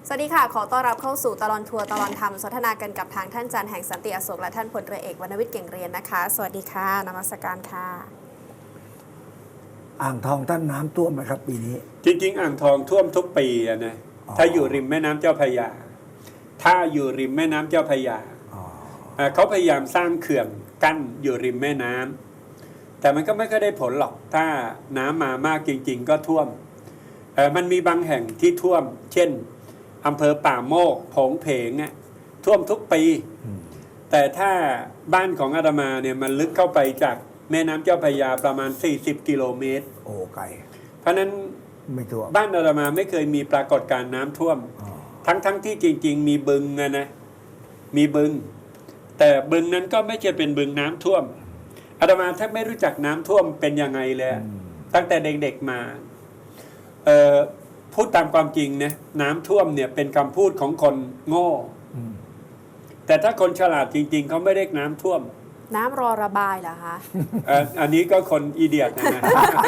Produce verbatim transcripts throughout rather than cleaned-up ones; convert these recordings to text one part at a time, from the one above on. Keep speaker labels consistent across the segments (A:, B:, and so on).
A: สวัสดีค่ะขอต้อนรับเข้าสู่ตลอดทัวร์ตลอดธรรมสนทนากันกับทางท่านจันทร์แห่งสันติอโศกและท่านพลเรือเอกวรรณวิทย์เก่งเรียนนะคะสวัสดีค่ะนมัสการค่ะ
B: อ่างทองท่านน้ำท่วมไหมครับปีนี้
C: จริงๆอ่างทองท่วมทุกปีอะนะถ้าอยู่ริมแม่น้ำเจ้าพระยาถ้าอยู่ริมแม่น้ำเจ้าพระยาเขาพยายามสร้างเขื่อนกั้นอยู่ริมแม่น้ำแต่มันก็ไม่ค่อยได้ผลหรอกถ้าน้ำมามากจริงๆก็ท่วมมันมีบางแห่งที่ท่วมเช่นอำเภอป่าโมกโผงเพงอ่ะท่วมทุกปีแต่ถ้าบ้านของอาตมาเนี่ยมันลึกเข้าไปจากแม่น้ำเจ้าพระยาประมาณสี่สิบกิโลเมตร
B: โอ้ไกล
C: เพราะนั้น
B: ไม่ท่วม
C: บ้านอาตมาไม่เคยมีปรากฏการณ์น้ำท่วมทั้งทั้งที่จริงๆมีบึงนะนะมีบึงแต่บึงนั้นก็ไม่ใช่เป็นบึงน้ำท่วมอาตมาแทบไม่รู้จักน้ำท่วมเป็นยังไงเลยตั้งแต่เด็กๆมาเอ่อพูดตามความจริงนะน้ำท่วมเนี่ยเป็นคำพูดของคนโง่แต่ถ้าคนฉลาดจริงๆเขาไม่เรียกน้ำท่วม
A: น้ำรอระบายเหรอคะ
C: อันนี้ก็คนอีเดียตนะนะ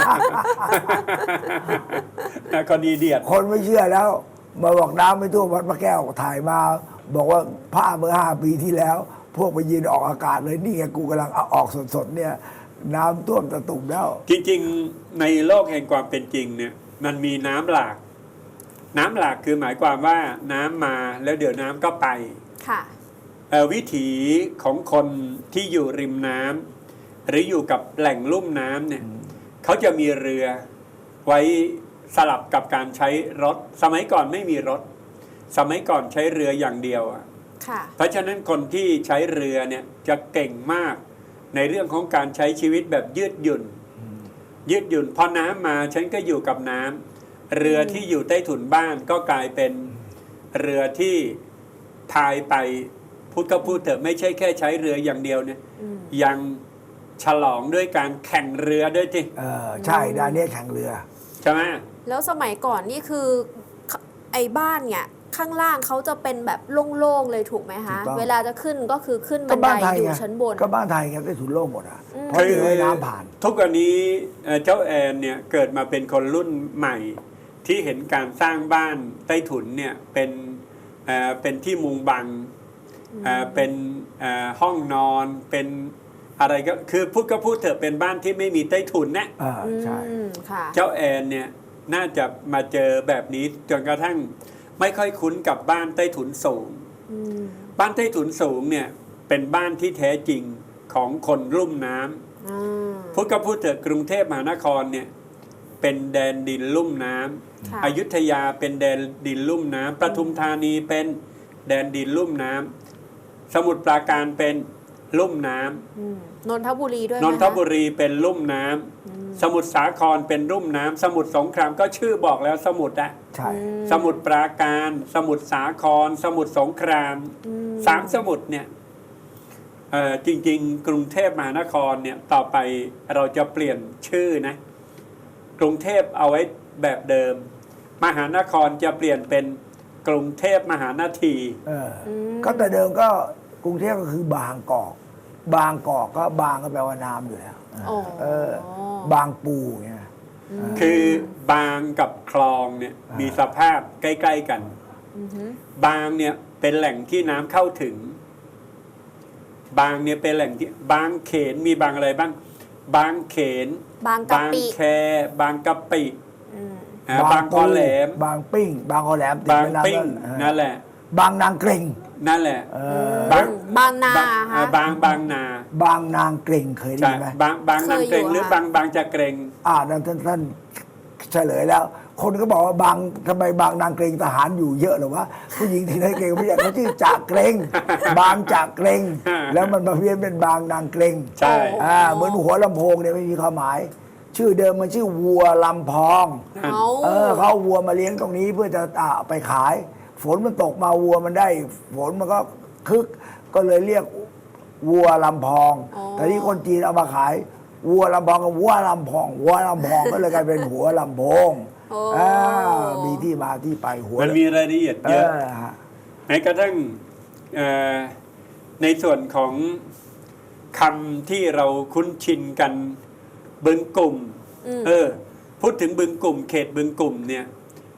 C: คนอีเดียต
B: คนไม่เชื่อแล้วมาบอกน้ำไม่ท่วมวัดพระแก้วถ่ายมาบอกว่าผ้าเมื่อห้าปีที่แล้วพวกไปยืนออกอากาศเลยนี่ไงกูกำลังเอาออกสดๆเนี่ยน้ำท่วมตะตุ่มแล้ว
C: จริงๆในโลกแห่งความเป็นจริงเนี่ยมันมีน้ำหลากน้ำหลากคือหมายความว่าน้ำมาแล้วเดี๋ยวน้ำก็ไป
A: ค่ะ
C: วิถีของคนที่อยู่ริมน้ำหรืออยู่กับแหล่งลุ่มน้ำเนี่ยเขาจะมีเรือไว้สลับกับการใช้รถสมัยก่อนไม่มีรถสมัยก่อนใช้เรืออย่างเดียวอ่ะเพราะฉะนั้นคนที่ใช้เรือเนี่ยจะเก่งมากในเรื่องของการใช้ชีวิตแบบยืดหยุ่นยืดหยุ่นพอน้ำมาฉันก็อยู่กับน้ำเรือที่อยู่ใต้ถุนบ้านก็กลายเป็นเรือที่พายไปพูดก็พูดเถอะไม่ใช่แค่ใช้เรืออย่างเดียวเนี่ยยังฉลองด้วยการแข่งเรือด้วยที่
B: เออใช่ด้านนี้แข่งเรือ
C: ใช่ไหม
A: แล้วสมัยก่อนนี่คือไอ้บ้านเนี่ยข้างล่างเขาจะเป็นแบบโล่งๆเลยถูกไหมคะเวลาจะขึ้นก็คือขึ้นบันไดอยู่ชั้นบน
B: ก็บ้านไทยไงใต้ถุนโล่งหมดอ่ะเพราะมีน้ำผ่าน
C: ทุกวันนี้เจ้าแอนเนี่ยเกิดมาเป็นคนรุ่นใหม่ที่เห็นการสร้างบ้านใต้ถุนเนี่ยเป็นเอ่อเป็นที่มุงบังเอ่อเป็นเอ่อห้องนอนเป็นอะไรก็คือพูดก็พูดเถอะเป็นบ้านที่ไม่มีใต้ถุนนะ
B: อ่าใช่
C: เจ้าแอนเนี่ยน่าจะมาเจอแบบนี้จนกระทั่งไม่ค่อยคุ้นกับบ้านใต้ถุนสูงบ้านใต้ถุนสูงเนี่ยเป็นบ้านที่แท้จริงของคนลุ่มน้ำพูดก็พูดเถอะกรุงเทพมหานครเนี่ยเป็นแดนดินลุ่มน้ำอยุธยาเป็นแดนดินลุ่มน้ำปทุมธานีเป็นแดนดินลุ่มน้ำสมุทรปราการเป็นลุ่มน้
A: ำนนทบุรีด้วย
C: นนทบุรีเป็นลุ่มน้ำสมุทรสาครเป็นลุ่มน้ำสมุทรสงครามก็ชื่อบอกแล้วสมุทรอะ
B: ใช่
C: สมุทรปราการสมุทรสาครสมุทรสงครามสามสมุทรเนี่ยจริงๆกรุงเทพมหานครเนี่ยต่อไปเราจะเปลี่ยนชื่อนะกรุงเทพเอาไว้แบบเดิมมหานครจะเปลี่ยนเป็นกรุงเทพมหานที
B: เออก็แต่เดิมก็กรุงเทพก็คือบางกอกบางกอกก็บางก็แปลว่าน้ำอยู่แล้วเออบางปูไง
C: คือบางกับคลองเนี่ยมีสภาพใกล้ๆกันบางเนี่ยเป็นแหล่งที่น้ำเข้าถึงบางเนี่ยเป็นแหล่งที่บางเขนมีบางอะไรบ้างบางเขน
A: บางกะปิ
C: แคบางกะปิบางคอแหลม
B: บางปิ้งบางคอแหลม
C: บางปิ้งนั่นแหละ
B: บางนางเกร็ง
C: นั่นแหละ
A: บางบางนา
C: บางบางนา
B: บางนางเกร็งเคยได้ไหม
C: บางบางนางเกร็งหรือบางบางจะเกร็ง
B: อ่าท่านท่านเฉลยแล้วคนก็บอกว่าบางทำไมบางนางเกร็งทหารอยู่เยอะหรือวะผู้หญิงที่ไหนเกร็งผู้ใหญ่เขาชื่อจ่าเกร็งบางจ่าเกร็งแล้วมันมาเพี้ยนเป็นบางนางเกร็ง
C: ใช่
B: อ่าเหมือนหัวลำโพงเนี่ยไม่มีความหมายชื่อเดิมมันชื่อวัวลำพองเออเขาเอาวัวมาเลี้ยงตรงนี้เพื่อจะอ่าไปขายฝนมันตกมาวัวมันได้ฝนมันก็คึกก็เลยเรียกวัวลำพองแต่ที่คนจีนเอามาขายวัวลำพองกับวัวลำพองวัวลำพองก็เลยกลายเป็นหัวลำโพงอ่ามีที่มาที่ไปหัว
C: มันมีรายละเอียดเยอะแม้กระทั่งในส่วนของคำที่เราคุ้นชินกันบึงกลุ่มเออพูดถึงบึงกลุ่มเขตบึงกลุ่มเนี่ย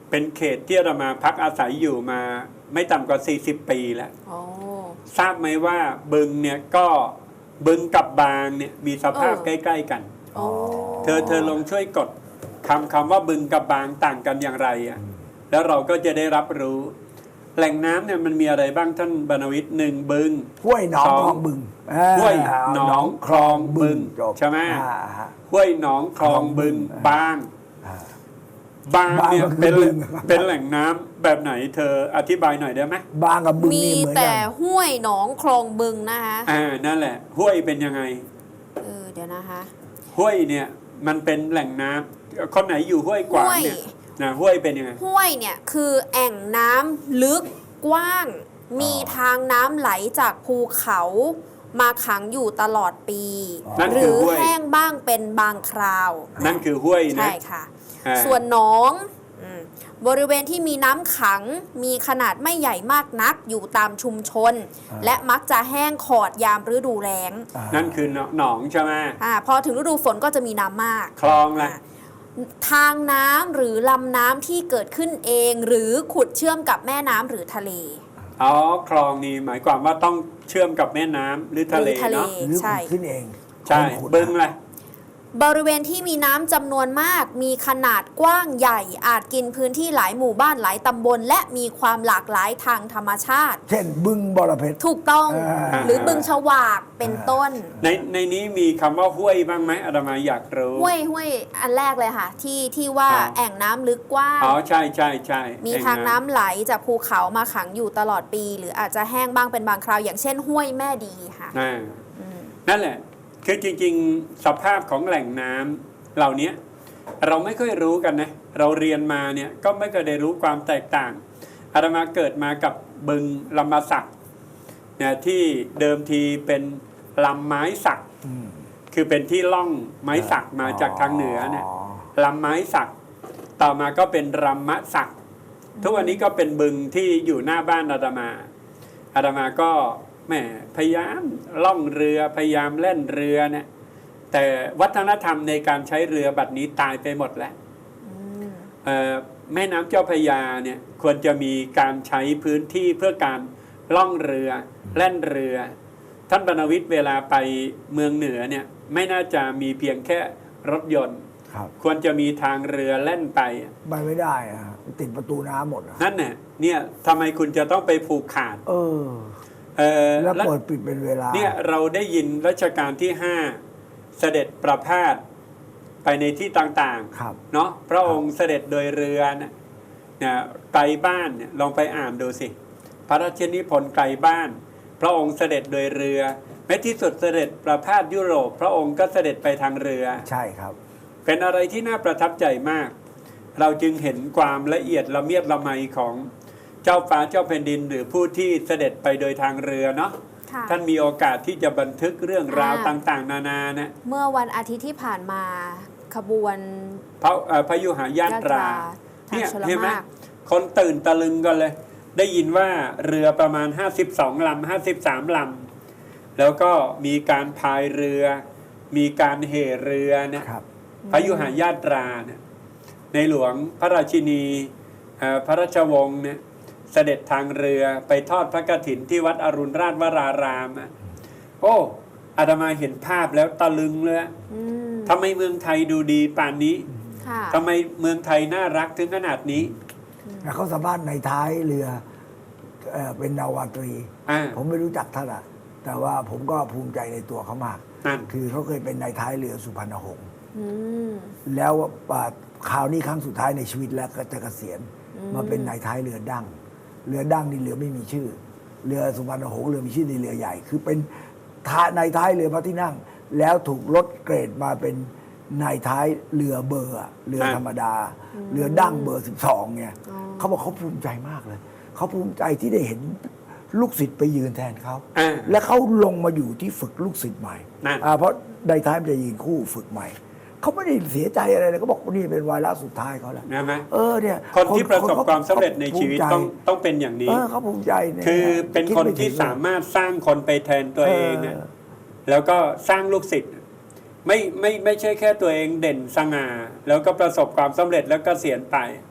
C: เป็นเขตที่อาตมาพักอาศัยอยู่มาไม่ต่ำกว่าสี่สิบปีแล้ว
A: โอ้
C: ทราบไหมว่าบึงเนี่ยก็บึงกับบางเนี่ยมีสภาพ
A: เออ
C: ใกล้ ๆ กัน
A: โอ้
C: เธอเธอลองช่วยกดคำคำว่าบึงกับบางต่างกันอย่างไรอ่ะแล้วเราก็จะได้รับรู้ แหล่งน้ำเนี่ยมันมีอะไรบ้างท่านบรรณวิทย์หนึ่งบึง
B: ห้วยหนอง
C: ส
B: คลองบึงอ่า
C: ห้วยหนองคลองบึง
B: จบ
C: ใช่ไหม
B: อ่าฮะ
C: ห้วยหนองคลองบึง
B: อ่า
C: บาง
B: อ่า
C: บางเนี่ย
B: บางก็คือ
C: เป็น
B: บึง
C: เป็นแหล่งน้ำแบบไหนเธออธิบายหน่อยได้ไหม
B: บางกับบึง
A: มี
B: นี่เหมือน
A: แต่
B: กัน
A: ห้วยหนองคลองบึงนะคะ
C: อ่านั่นแหละ ห้วยเป็นยังไง
A: เออเดี๋ยวนะคะ
C: ห้วยเนี่ยมันเป็นแหล่งน้ำคนไหนอยู่ห้วยกวางเนี่ย
A: ห้วย
C: นะห้วยเป็นยังไง
A: ห้วยเนี่ยคือแอ่งน้ำลึกกว้าง มีทางน้ำไหลจากภูเขามาขังอยู่ตลอดปี
C: นั่น
A: ห
C: คื
A: รือ อ
C: ห้วย
A: แห้งบ้างเป็นบางคราว
C: นั่นคือห้วยนะ
A: ใช่ค่ะ
C: อ่า
A: ส่วนหนองอืมบริเวณที่มีน้ำขังมีขนาดไม่ใหญ่มากนักอยู่ตามชุมชน
B: อ่า
A: และมักจะแห้งขอดยามฤดูแล้ง
B: อ่า
C: นั่นคือหนองใช่ไหม
A: อาพอถึงฤดูฝนก็จะมีน้ำมาก
C: คลองละ
A: อ่าทางน้ำหรือลำน้ำที่เกิดขึ้นเอง หรือขุดเชื่อมกับแม่น้ำหรือทะเล
C: อ๋อคลองนี่หมายความว่าต้องเชื่อมกับแม่น้ำหรือทะเล
A: หรือทะเล
C: เนาะ
B: หรือ
A: ใช่
B: ขุดขึ้นเอง
C: ใช่
B: คนขุด
C: บึงละ
A: บริเวณที่มีน้ำจำนวนมาก มีขนาดกว้างใหญ่ อาจกินพื้นที่หลายหมู่บ้านหลายตำบล และมีความหลากหลายทางธรรมชาติ
B: เช่นบึงบรเพชร
A: ถูกต้อง
B: อ่า
A: หรือบึงฉวากเป็นต้น
C: ในในนี้มีคำว่าห้วยบ้างไหมอาตมาอยากรู้
A: ห้วยห้วยอันแรกเลยค่ะ ที่ที่ว่า
C: อ๋อ
A: แอ่งน้ำลึกกว้าง
C: อ๋อใช่ใช่ใช่
A: มี
C: แอ่
A: ทางน้ำไหลจากภูเขามาขังอยู่ตลอดปี หรืออาจจะแห้งบ้างเป็นบางคราว อย่างเช่น ห้วยแม่ดีค่ะ
C: อ่า
A: อืม
C: นั่นแหละ คือจริงๆ สภาพของแหล่งน้ำเหล่านี้เราไม่ค่อยรู้กันนะ เราเรียนมาเนี่ยก็ไม่เคยได้รู้ความแตกต่างอาตมาเกิดมากับบึงลำมาสักเนี่ยที่เดิมทีเป็นลำไม้สัก
B: อืม
C: คือเป็นที่ล่องไม้สักมาจากทางเหนือเนี่ยลำไม้สัก ต่อมาก็เป็นรำมะสัก ทุกวันนี้ก็เป็นบึงที่อยู่หน้าบ้านอาตมาอาตมาก็แหมพยายามล่องเรือพยายามเล่นเรือเนี่ยแต่วัฒนธรรมในการใช้เรือบัดนี้ตายไปหมดแล้ว
A: อืม
C: เอ่อแม่น้ำเจ้าพระยาเนี่ยควรจะมีการใช้พื้นที่เพื่อการล่องเรือเล่นเรือ ท่านบรรณวิทย์เวลาไปเมืองเหนือเนี่ยไม่น่าจะมีเพียงแค่รถยนต์
B: ครับ
C: ควรจะมีทางเรือเล่นไป
B: ไปไม่ได้อะติดประตูน้ำหมดอะ
C: นั่นเนี่ยเนี่ยทำไมคุณจะต้องไปผูกขาด
B: เออ
C: เอ่อ
B: แล้ว
C: แล้ว
B: เปิดปิดเป็นเวลา
C: เนี่ยเราได้ยินรัชกาลที่ห้าเสด็จประพาสไปในที่ต่าง
B: ครับ
C: ๆเนาะพระองค์เสด็จโดยเรือนะเนี่ยไกลบ้านเนี่ยลองไปอ่านดูสิ พระราชนิพนธ์ไกลบ้าน พระองค์เสด็จโดยเรือแม้ที่สุดเสด็จประพาสยุโรป พระองค์ก็เสด็จไปทางเรือ
B: ใช่ครับ
C: เป็นอะไรที่น่าประทับใจมาก เราจึงเห็นความละเอียดละเมียดละไมของเจ้าฟ้าเจ้าแผ่นดิน หรือผู้ที่เสด็จไปโดยทางเรือเนาะ
A: ค่ะ
C: ท่านมีโอกาสที่จะบันทึกเรื่องราว
A: อ่า
C: ต่างๆ นานานะ
A: เมื่อวันอาทิตย์ที่ผ่านมาขบวน
C: พระเอ่อพยุหายาตรา
A: ทาง
C: เนี่ย
A: ชล
C: เห็นไหม
A: มาก
C: คนตื่นตะลึงกันเลย ได้ยินว่าเรือประมาณ ห้าสิบสอง ลำ ห้าสิบสาม ลำ แล้วก็มีการพายเรือ มีการเหเรือเนี่ย
B: ครับ
C: พยุหายาตราเนี่ยในหลวงพระราชินีเอ่อพระราชวงศ์เนี่ยเสด็จทางเรือไปทอดพระกฐินที่วัดอรุณราชวรารามอะโอ้อาตมาเห็นภาพแล้วตะลึงเลย
A: อืม
C: ทำไมเมืองไทยดูดีป่านนี้
A: ค่ะ
C: ทำไมเมืองไทยน่ารักถึงขนาดนี้
B: แล้วเขาสามารถในท้ายเรือเอ่อเป็นนาวาตรี
C: อ่า
B: ผมไม่รู้จักท่านอะแต่ว่าผมก็ภูมิใจในตัวเขามาก
C: นั่น
B: คือเขาเคยเป็นนายท้ายเรือสุพรรณหงษ์
A: อืม
B: แล้วอ่าคราวนี้ครั้งสุดท้ายในชีวิตแล้วก็จะเกษียณ
A: อืม
B: มาเป็นนายท้ายเรือดั้งเรือดั้งนี่เรือไม่มีชื่อ เรือสุพรรณหงษ์เรือมีชื่อในเรือใหญ่ คือเป็นท้ายนายท้ายเรือพระที่นั่ง แล้วถูกลดเกรดมาเป็นนายท้ายเรือเบอร์อะเรือธรรมดา เรือดั้งเบอร์สิบสองเนี่ย
A: อ๋อ
B: เขาบอกเขาภูมิใจมากเลย เขาภูมิใจที่ได้เห็นลูกศิษย์ไปยืนแทนเขา
C: อ่า
B: และเขาลงมาอยู่ที่ฝึกลูกศิษย์ใหม่
C: นั่น
B: อ่าเพราะนายท้ายมันจะยืนคู่ฝึกใหม่ เขาไม่ได้เสียใจอะไรเลยเขาบอกว่านี่เป็นวาระสุดท้ายเขาแล้ว
C: นะไหม
B: เออเนี่ย
C: คนที่ประสบ
B: ข
C: ความสำเร็จในชีวิต
B: ภูมิใจ
C: ต้องต้องเป็นอย่างนี้
B: เออเขาภูมิใจเนี่ย
C: คือเป็น
B: ด
C: คน
B: ไม่ถึ
C: ที่
B: ง
C: สามารถสร้างคนไปแทนตัวเองนะ
B: เออ
C: แล้วก็สร้างลูกศิษย์ไม่ไม่ไม่ใช่แค่ตัวเองเด่นสง่าแล้วก็ประสบความสำเร็จแล้วก็เสียนไป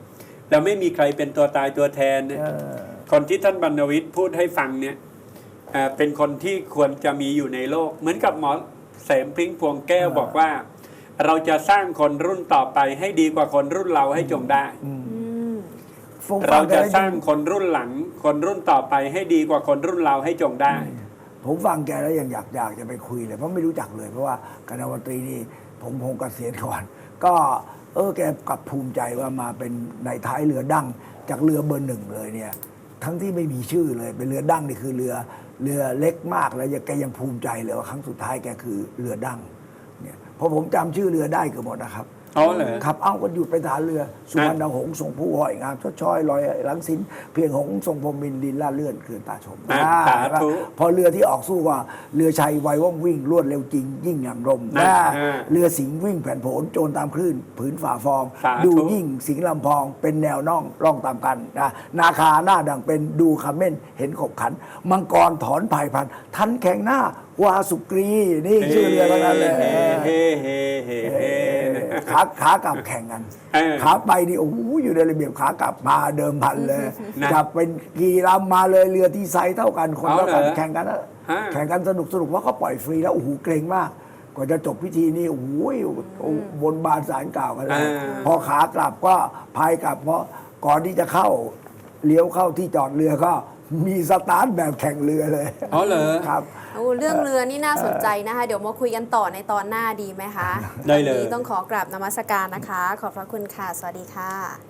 C: แล้วไม่มีใครเป็นตัวตายตัวแทนเนี่ย
B: เออ
C: คนที่ท่านบรรณวิทย์พูดให้ฟังเนี่ยเอ่อเป็นคนที่ควรจะมีอยู่ในโลก เหมือนกับหมอเสมพริ้งพวงแก้วบอกว่า เราจะสร้างคนรุ่นต่อไปให้ดีกว่าคนรุ่นเราให้จงได้
A: อืม
B: ผมฟั
C: เรา
B: งแก
C: จะ
B: แล้ว
C: สร้างคนรุ่นหลัง คนรุ่นต่อไปให้ดีกว่าคนรุ่นเราให้จงได้
B: ผมฟังแกแล้วยังอยากอยากจะไปคุยเลยเพราะไม่รู้จักเลยเพราะว่าคณะมนตรีนี่ผมคงเกษียณก่อน ก็เออแกกลับภูมิใจว่ามาเป็นในท้ายเรือดั้งจากเรือเบอร์หนึ่งเลยเนี่ยทั้งที่ไม่มีชื่อเลยเป็นเรือดั้งนี่คือเรือเรือเล็กมากแล้วยังแกยังภูมิใจเลยว่าครั้งสุดท้ายแกคือเรือดั้งเนี่ยเพราะผมจำชื่อเรือได้เกือบหมดนะครับ
C: อ๋อเหรอ
B: ครับ เอาก็หยุดไปฐานเรือ สุวรรณหงส์ทรงผู้หอยงามชดช้อยลอยหลังสินเพียงหงส์ทรงพรหมินทร์ดินล่าเลื่อนเขื่อนตาชม
C: อ่ะ
B: อ่า
C: สาธุ
B: พอเรือที่ออกสู้ว่าเรือชัยไวว่องวิ่งรวดเร็วจริง ยิ่งอย่างลม
C: นะ
B: อ่า
C: อ่า
B: เรือสิงห์วิ่งแผ่นโผนโจรตามคลื่นผืนฝ่าฟอง
C: สาธุ
B: ดูยิ่งสิงห์ลำพองเป็นแนวน่องร่องตามกันนะนาคาหน้าดังเป็นดูคำเม่นเห็นขบขัน มังกรถอนภายพันทันแข่งหน้าวาสุกรีนี่ชื่อเรือทั้งนั้นเลย
C: เฮ้เฮ้เฮ้เฮ้เฮ้
B: ขาขากลับแข่งกัน
C: เออ
B: ขาไปนี่โอ้โหอยู่ในระเบียบขากลับมาเดิมพันเลย
C: นะ
B: จับเป็นกี่ลำมาเลยเรือที่ไซส์เท่ากันคน
C: เอา
B: เท่ากัน
C: เหรอ
B: แข่งกันนะ
C: ฮะ
B: แข่งกันสนุกสนุกเพราะเขาปล่อยฟรีแล้วโอ้โหเกรงมากกว่าจะจบพิธีนี่โอ้โหบนบานสารกล่าวกันเลย
C: อ่า
B: พอขากลับก็พายกลับเพราะก่อนที่จะเข้าเลี้ยวเข้าที่จอดเรือก็มีสตาร์ทแบบแข่งเรือเลย
C: อ๋อเหรอ
B: ครับ
A: โอ้เรื่องเรือนี่น่าสนใจนะคะ เดี๋ยวมาคุยกันต่อในตอนหน้าดีไหมคะ
C: ได้เลย
A: วันนี้ต้องขอกราบนมัสการนะคะ ขอบพระคุณค่ะ สวัสดีค่ะ